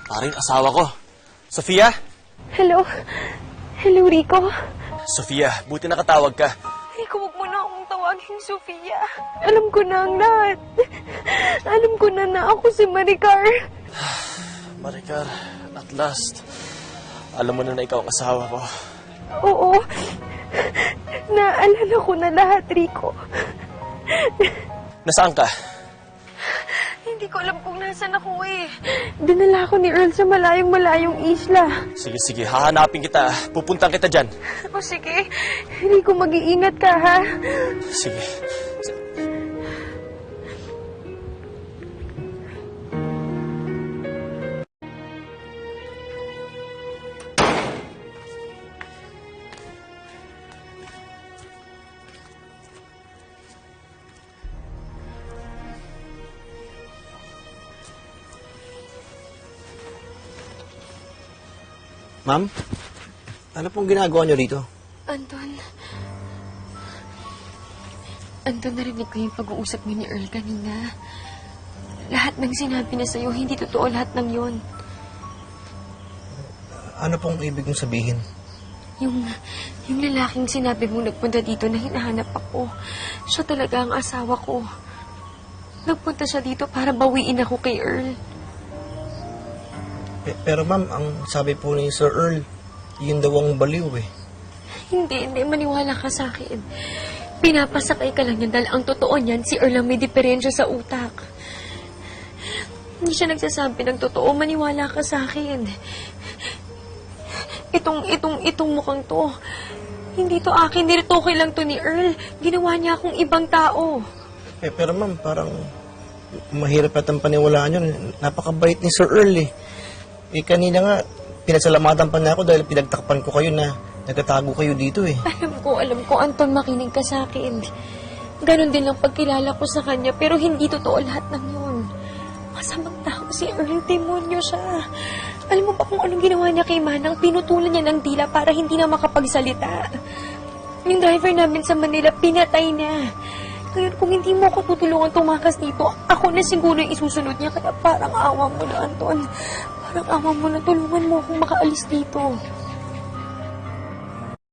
Paring asawa ko. Sofia? Hello? Hello, Rico? Sofia, buti nakatawag ka. Rico, huwag mo na akong tawagin, Sofia. Alam ko na ang lahat. Alam ko na ako si Maricar. Maricar, at last. Alam mo na ikaw ang asawa ko. Oo. Naalala ko na lahat, Rico. Nasaan ka? Hindi ko alam kung nasan ako eh. Dinala ako ni Earl sa malayong-malayong isla. Sige, hahanapin kita. Pupuntan kita dyan. O sige, Rico, mag-iingat ka ha. Sige. Ma'am, ano pong ginagawa niyo rito? Anton, narinig ko yung pag-uusap niyo ni Earl kanina. Lahat ng sinabi niya sa'yo, hindi totoo lahat ng yon. Ano pong ibig mong sabihin? Yung lalaking sinabi mong nagpunta dito na hinahanap ako, siya talaga ang asawa ko. Nagpunta siya dito para bawiin ako kay Earl. Pero ma'am, ang sabi po ni Sir Earl, yun daw ang baliw eh. Hindi, maniwala ka sa akin. Pinapasakay ka lang yan dahil ang totoo niyan, si Earl ang may diferensya sa utak. Hindi siya nagsasabi ng totoo, maniwala ka sa akin. Itong mukhang to, hindi to akin, niritoke lang to ni Earl. Ginawa niya akong ibang tao. Pero ma'am, parang mahirap atang paniwalaan yun. Napakabait ni Sir Earl eh. Kanina nga, pinasalamatan pa niya ako dahil pinagtakpan ko kayo na nagtatago kayo dito eh. Alam ko, Anton, makinig ka sa akin. Ganon din lang pagkilala ko sa kanya, pero hindi totoo lahat ng yun. Masamang tao si Earl, demonyo siya. Alam mo ba kung anong ginawa niya kay Manang? Pinutulan niya ng dila para hindi na makapagsalita. Yung driver namin sa Manila, pinatay niya. Ngayon, kung hindi mo ako tutulungan tumakas dito, ako na siguro yung isusunod niya. Kaya parang awa mo na, Anton. Parang awa mo na, tulungan mo akong makaalis dito.